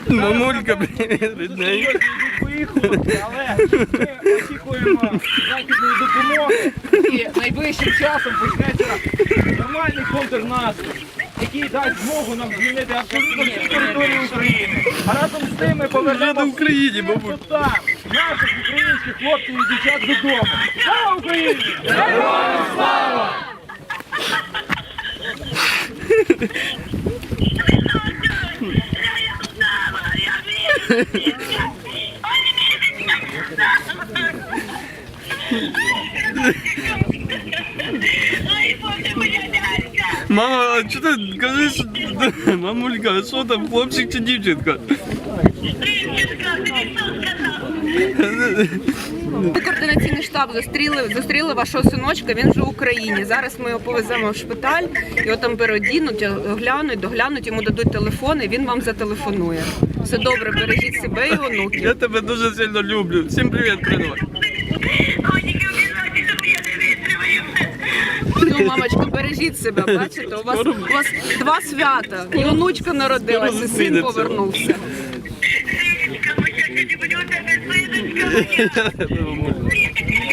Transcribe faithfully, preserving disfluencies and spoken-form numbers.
Мамулька, привіт, рідненька. Виїхали, але ми очікуємо західної допомоги і найближчим часом почнеться нормальний контрнаступ, який дасть змогу нам звільнити абсолютно всю територію України. А разом з тим ми повернемо Вже в Україні, всіх мабуть. там, наших українських хлопців і дівчат додому. Слава Україні! Героям слава! Мама, а що ти кажеш? Мамулька, а що там, хлопчик чи дівчинка? Координаційний штаб зустріли, зустріли вашого синочка, він вже в Україні. Зараз ми його повеземо в шпиталь, його там переодінуть, оглянуть, доглянуть, йому дадуть телефон і він вам зателефонує. Все добре, бережіть себе і онуків. Я тебе дуже сильно люблю. Всім привіт, передавай. Ну, мамочка, бережіть себе, бачите, у вас, у вас два свята. І онучка народилася, і син повернувся. Мамуль.